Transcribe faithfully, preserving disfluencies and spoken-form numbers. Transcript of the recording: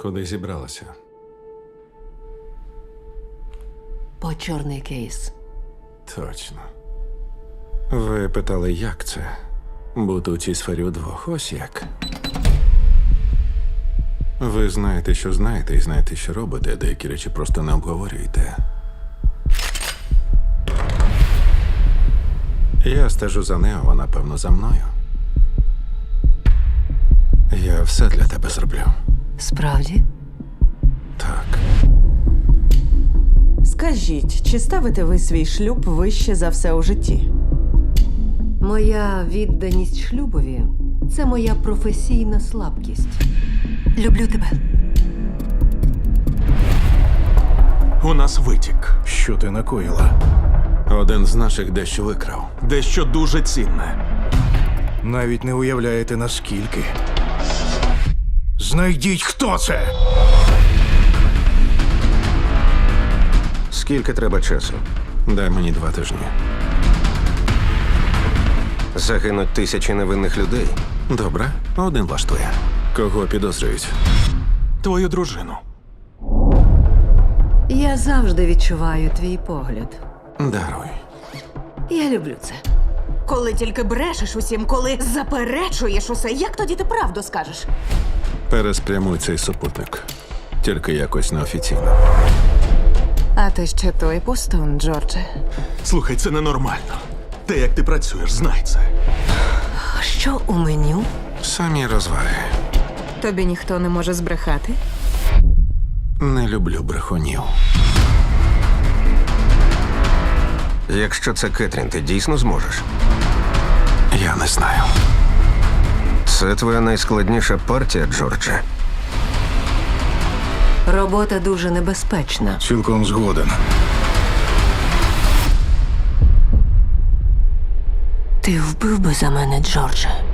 Куди зібралася? По чорний кейс. Точно. Ви питали, як це? Бути у цій сфері удвох. Ось як. Ви знаєте, що знаєте, і знаєте, що робите, а деякі речі просто не обговорюєте. Я стежу за нею, вона, певно, за мною. Я все для тебе зроблю. Справді? Так. Скажіть, чи ставите ви свій шлюб вище за все у житті? Моя відданість шлюбові – це моя професійна слабкість. Люблю тебе. У нас витік. Що ти накоїла? Один з наших дещо викрав. Дещо дуже цінне. Навіть не уявляєте, наскільки. Знайдіть, хто це! Скільки треба часу? Дай мені два тижні. Загинуть тисячі невинних людей. Добре, один влаштує. Кого підозрюють? Твою дружину. Я завжди відчуваю твій погляд. Даруй. Я люблю це. Коли тільки брешеш усім, коли заперечуєш усе, як тоді ти правду скажеш? Переспрямуй цей супутник. Тільки якось неофіційно. А ти ще той пустун, Джордже. Слухай, це ненормально. Те, як ти працюєш, знай це. А що у меню? Самі розваги. Тобі ніхто не може збрехати? Не люблю брехунів. Якщо це Кетрін, ти дійсно зможеш? Я не знаю. Це твоя найскладніша партія, Джордже. Робота дуже небезпечна. Цілком згоден. Ти вбив би за мене, Джордже?